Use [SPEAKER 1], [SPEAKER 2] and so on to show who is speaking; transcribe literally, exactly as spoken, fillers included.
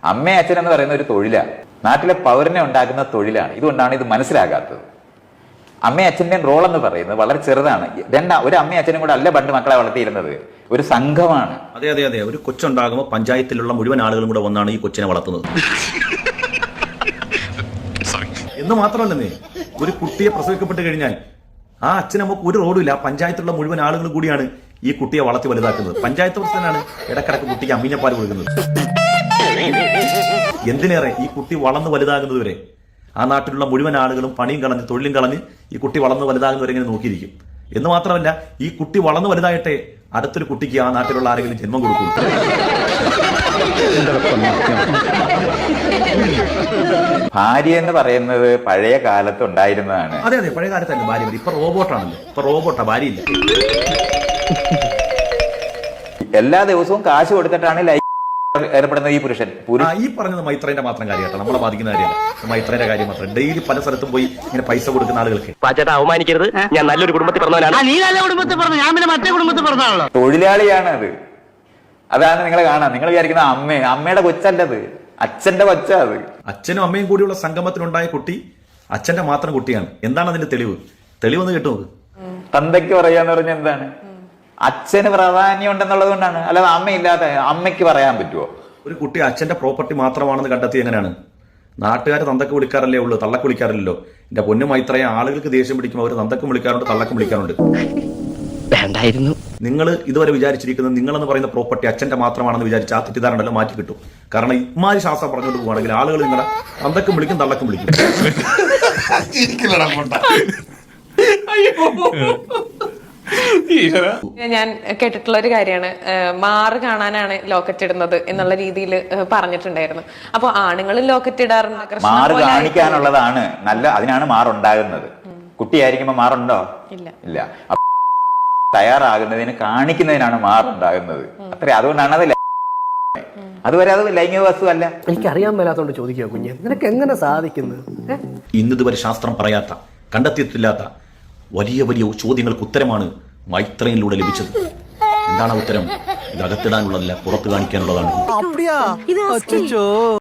[SPEAKER 1] അമ്മയും അച്ഛൻ എന്ന് പറയുന്ന ഒരു തൊഴിലാണ്, നാട്ടിലെ പൗരനെ ഉണ്ടാക്കുന്ന തൊഴിലാണ്. ഇതുകൊണ്ടാണ് ഇത് മനസ്സിലാകാത്തത്. അമ്മയും അച്ഛൻ്റെ റോൾ എന്ന് പറയുന്നത് വളരെ ചെറുതാണ്. രണ്ട് ഒരു അമ്മയും അച്ഛനും കൂടെ അല്ല പണ്ട് മക്കളെ വളർത്തിയിരുന്നത്, ഒരു സംഘമാണ്.
[SPEAKER 2] അതെ അതെ അതെ ഒരു കൊച്ചുണ്ടാകുമ്പോൾ പഞ്ചായത്തിലുള്ള മുഴുവൻ ആളുകളും കൂടെ വന്നാണ് ഈ കൊച്ചിനെ വളർത്തുന്നത്. എന്ന് മാത്രമല്ലെന്നേ, ഒരു കുട്ടിയെ പ്രസവിക്കപ്പെട്ട് കഴിഞ്ഞാൽ ആ അച്ഛനമ്മക്ക് ഒരു റോഡും ഇല്ല, പഞ്ചായത്തിലുള്ള മുഴുവൻ ആളുകൾ കൂടിയാണ് ഈ കുട്ടിയെ വളർത്തി വലുതാക്കുന്നത്. പഞ്ചായത്ത് പ്രസിഡന്റാണ് ഇടക്കിടക്ക് കുട്ടിക്ക് അമ്മീഞ്ഞപ്പാൽ കൊടുക്കുന്നത്. എന്തിനേറെ ഈ കുട്ടി വളർന്നു വലുതാകുന്നത് വരെ ആ നാട്ടിലുള്ള മുഴുവൻ ആളുകളും പണിയും കളഞ്ഞ് തൊഴിലും കളഞ്ഞ് ഈ കുട്ടി വളർന്നു വലുതാകുന്നവരെ ഇങ്ങനെ നോക്കിയിരിക്കും. എന്ന് മാത്രമല്ല, ഈ കുട്ടി വളർന്നു വലുതായിട്ടെ അടുത്തൊരു കുട്ടിക്ക് ആ നാട്ടിലുള്ള ആരെങ്കിലും ജന്മം കൊടുക്കും.
[SPEAKER 1] ഭാര്യ എന്ന് പറയുന്നത് പഴയ കാലത്ത് ഉണ്ടായിരുന്നതാണ്.
[SPEAKER 2] അതെ അതെ പഴയ കാലത്തല്ല ഭാര്യ, ഇപ്പൊ റോബോട്ടാണല്ലോ. ഇപ്പൊ റോബോട്ടാ, ഭാര്യയില്ല.
[SPEAKER 1] എല്ലാ ദിവസവും കാശ് കൊടുത്തിട്ടാണ് ലൈഫ് ഏർപ്പെടുന്ന ഈ പുരുഷൻ.
[SPEAKER 2] ഈ പറഞ്ഞത് മൈത്രേന്റെ മാത്രം കാര്യമാട്ടോ, നമ്മളെ ബാധിക്കുന്ന കാര്യമല്ല. മൈത്രേന്റെ കാര്യം മാത്രം. ഡെയിലി പല സ്ഥലത്തും പോയി ഇങ്ങനെ പൈസ കൊടുക്കുന്ന ആളുകൾക്ക്
[SPEAKER 3] പാച്ചേട്ടാ അവമാനിക്കരുത്, ഞാൻ നല്ലൊരു കുടുംബത്തിൽ പറഞ്ഞവനാണ്. നീ നല്ല കുടുംബത്തിൽ പറഞ്ഞു, ഞാൻ പിന്നെ മറ്റേ കുടുംബത്തിൽ പറഞ്ഞാണല്ലോ.
[SPEAKER 1] തൊഴിലാളിയാണ് അത്. അതാണ് നിങ്ങൾ കാണാം. നിങ്ങൾ വിചാരിക്കുന്ന അമ്മ അമ്മയുടെ കൊച്ചല്ലത്, അച്ഛന്റെ കൊച്ചാ അത്.
[SPEAKER 2] അച്ഛനും അമ്മയും കൂടിയുള്ള സംഗമത്തിലുണ്ടായ കുട്ടി അച്ഛന്റെ മാത്രം കുട്ടിയാണ്. എന്താണ് അതിന്റെ തെളിവ്? തെളിവെന്ന് കേട്ടത്
[SPEAKER 1] തന്തയ്ക്ക് പറയാന്ന് പറഞ്ഞ എന്താണ്? അച്ഛന് പ്രാധാന്യം ഉണ്ടെന്നുള്ളത് കൊണ്ടാണ്. അല്ലാതെ അമ്മയില്ലാതെ അമ്മയ്ക്ക് പറയാൻ പറ്റുമോ?
[SPEAKER 2] ഒരു കുട്ടി അച്ഛന്റെ പ്രോപ്പർട്ടി മാത്രമാണെന്ന് കണ്ടെത്തി എങ്ങനെയാണ്? നാട്ടുകാർ തന്തക്ക് വിളിക്കാറല്ലേ ഉള്ളൂ, തള്ളക്ക് വിളിക്കാറില്ലല്ലോ. എന്റെ പൊന്നു മൈത്രയെ, ആളുകൾക്ക് ദേഷ്യം പിടിക്കുമ്പോൾ അവർ തന്തക്കും വിളിക്കാറുണ്ട്, തള്ളക്കും വിളിക്കാറുണ്ട്.
[SPEAKER 3] വേണ്ടായിരുന്നു.
[SPEAKER 2] നിങ്ങൾ ഇതുവരെ വിചാരിച്ചിരിക്കുന്നത് നിങ്ങളെന്ന് പറയുന്ന പ്രോപ്പർട്ടി അച്ഛന്റെ മാത്രമാണെന്ന് വിചാരിച്ച് ആ തെറ്റിദ്ധാരണല്ലോ മാറ്റി കിട്ടും. കാരണം ഇമാരി ശാസ്ത്രം പറഞ്ഞുകൊണ്ട് പോവുകയാണെങ്കിൽ ആളുകൾ നിങ്ങളെ തന്തക്കും വിളിക്കും, തള്ളക്കും വിളിക്കും.
[SPEAKER 4] ഞാൻ കേട്ടിട്ടുള്ള ഒരു കാര്യമാണ്, മാറ് കാണാനാണ് ലോക്കറ്റ് ഇടുന്നത് എന്നുള്ള രീതിയിൽ പറഞ്ഞിട്ടുണ്ടായിരുന്നു. അപ്പൊ ആണുങ്ങളും ലോക്കറ്റ് ഇടാറുണ്ട്.
[SPEAKER 1] മാറ് കാണിക്കാനുള്ളതാണ് നല്ല, അതിനാണ് മാറുണ്ടാകുന്നത്. കുട്ടിയായിരിക്കുമ്പോ മാറുണ്ടോ?
[SPEAKER 4] ഇല്ല
[SPEAKER 1] ഇല്ല. തയ്യാറാകുന്നതിന് കാണിക്കുന്നതിനാണ് മാറുണ്ടാകുന്നത്. അത്ര അതുകൊണ്ടാണ് അത് അതുവരെ അത് ലൈംഗിക വസ്തു അല്ല.
[SPEAKER 5] എനിക്കറിയാൻ മേലാത്തോണ്ട് ചോദിക്കുക കുഞ്ഞ്, നിനക്ക് എങ്ങനെ സാധിക്കുന്നത്?
[SPEAKER 2] ഇന്നിതുവരെ ശാസ്ത്രം പറയാത്ത, കണ്ടെത്തിയിട്ടില്ലാത്ത വലിയ വലിയ ചോദ്യങ്ങൾക്ക് ഉത്തരമാണ് മൈത്രയിലൂടെ ലഭിച്ചത്. എന്താണ് ഉത്തരം? ഇത് അകത്തിടാനുള്ളതല്ല, പുറത്ത് കാണിക്കാനുള്ളതാണ്.